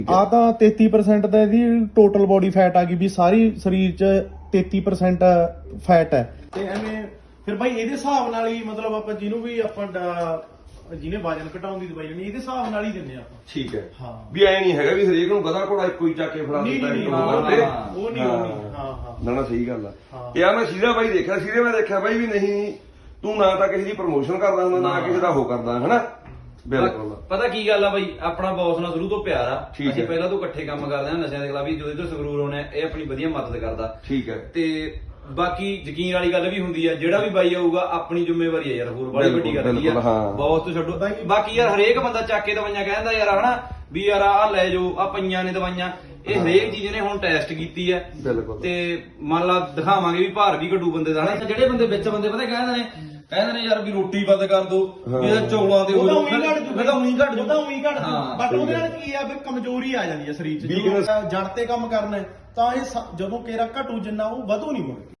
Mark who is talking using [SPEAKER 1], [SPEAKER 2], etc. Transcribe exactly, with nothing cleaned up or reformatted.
[SPEAKER 1] ਆ ਤਾਂ ਤੇਤੀ ਪਰਸੈਂਟ ਦਾ ਇਹਦੀ ਟੋਟਲ ਬੋਡੀ ਫੈਟ ਆ ਗਈ ਵੀ ਸਾਰੀ ਸਰੀਰ ਚ ਤੇਤੀ ਪਰਸੈਂਟ ਫੈਟ ਹੈ। ਤੇ ਐਵੇਂ ਫਿਰ ਬਾਈ ਇਹਦੇ ਹਿਸਾਬ ਨਾਲ ਹੀ ਮਤਲਬ ਆਪਾਂ ਜਿਹਨੂੰ ਵੀ ਆਪਾਂ ਜਿਹਨੇ ਵਜਨ ਘਟਾਉਣ ਦੀ ਦਵਾਈ ਲੈਣੀ ਇਹਦੇ ਹਿਸਾਬ ਨਾਲ ਹੀ ਦਿੰਦੇ ਆਪਾਂ। ਠੀਕ ਹੈ ਹਾਂ ਵੀ ਐ ਨਹੀਂ ਹੈਗਾ ਵੀ ਹਰੇਕ ਨੂੰ ਗਧਾ ਘੋੜਾ ਇੱਕੋ ਹੀ ਚੱਕ ਕੇ ਫੜਾ ਦਿੱਤਾ
[SPEAKER 2] ਉਹ ਨਹੀਂ ਉਹ ਨਹੀਂ ਹਾਂ ਹਾਂ
[SPEAKER 3] ਨਾ ਨਾ ਸਹੀ ਗੱਲ ਆ। ਤੇ ਆ ਮੈਂ ਸੀਰਾ ਬਾਈ ਦੇਖਿਆ ਸੀਰੇ ਮੈਂ ਦੇਖਿਆ ਬਾਈ ਵੀ ਨਹੀਂ ਤੂੰ ਨਾ ਤਾਂ ਕਿਸੇ ਦੀ ਪ੍ਰਮੋਸ਼ਨ ਕਰਦਾ ਹੁੰਦਾ ਨਾ ਕਿਸੇ ਦਾ ਉਹ ਕਰਦਾ ਹਨਾ। ਬਿਲਕੁਲ
[SPEAKER 2] ਪਤਾ ਕੀ ਗੱਲ ਆ ਬਾਈ ਆਪਣਾ ਬੌਸ ਨਾਲ ਸ਼ੁਰੂ ਤੋਂ ਪਿਆਰ ਆ। ਅਸੀਂ ਪਹਿਲਾਂ ਤੋਂ ਇਕੱਠੇ ਕੰਮ ਕਰਦੇ ਆ ਨਸ਼ਿਆਂ ਦੇ ਖਿਲਾਫ ਵੀ ਜਦੋਂ ਤੋਂ ਸੰਗਰੂਰ ਹੋਣਾ ਇਹ ਆਪਣੀ ਵਧੀਆ ਮਦਦ ਕਰਦਾ।
[SPEAKER 3] ਠੀਕ ਹੈ ਤੇ
[SPEAKER 2] ਬਾਕੀ ਯਕੀਨ ਵਾਲੀ ਗੱਲ ਵੀ ਹੁੰਦੀ ਆ ਜਿਹੜਾ ਵੀ ਬਾਈ ਆਊਗਾ ਆਪਣੀ ਜ਼ਿੰਮੇਵਾਰੀ ਆ ਯਾਰ ਹੋਰ ਬੜੀ ਵੱਡੀ ਗੱਲ ਨਹੀਂ ਆ ਬੌਸ ਤੋਂ ਛੱਡੋ। ਬਾਕੀ ਯਾਰ ਹਰੇਕ ਬੰਦਾ ਚੱਕ ਕੇ ਦਵਾਈਆਂ ਕਹਿੰਦਾ ਯਾਰ ਹਨਾ ਵੀ ਯਾਰ ਆ ਲੈ ਜਾਓ ਆ ਪਈਆਂ ਨੇ ਦਵਾਈਆਂ ਇਹ ਹਰੇਕ ਚੀਜ਼ ਨੇ ਹੁਣ ਟੈਸਟ ਕੀਤੀ ਹੈ ਤੇ ਮੰਨ ਲਾ ਦਿਖਾਵਾਂਗੇ ਵੀ ਭਾਰ ਵੀ ਘਟੂ ਬੰਦੇ ਦਾ। ਜਿਹੜੇ ਬੰਦੇ ਵਿੱਚ ਬੰਦੇ ਪਤਾ ਕਹਿੰਦੇ ਨੇ ਕਹਿੰਦੇ ਨੇ ਯਾਰ ਵੀ ਰੋਟੀ ਬੰਦ ਕਰ ਦੋ ਇਹ ਚੌਲਾਂ ਦੇ ਉਹਦਾ ਉਹੀ ਘਟ ਜੂ ਉਹਦਾ ਉਹੀ ਘਟ ਜੂ ਉਹਦਾ ਉਹੀ ਘਟ ਜੂ ਬਟ ਉਹਦੇ ਨਾਲ ਕੀ ਆ ਵੀ ਕਮਜ਼ੋਰੀ ਆ ਜਾਂਦੀ ਹੈ ਸਰੀਰ 'ਚ। ਜਦੋਂ ਜੜ ਤੇ ਕੰਮ ਕਰਨਾ ਤਾਂ ਇਹ ਜਦੋਂ ਕੇਰਾ ਘਟੂ ਜਿੰਨਾ ਉਹ ਵਧੂ ਨਹੀਂ ਮੁੜ।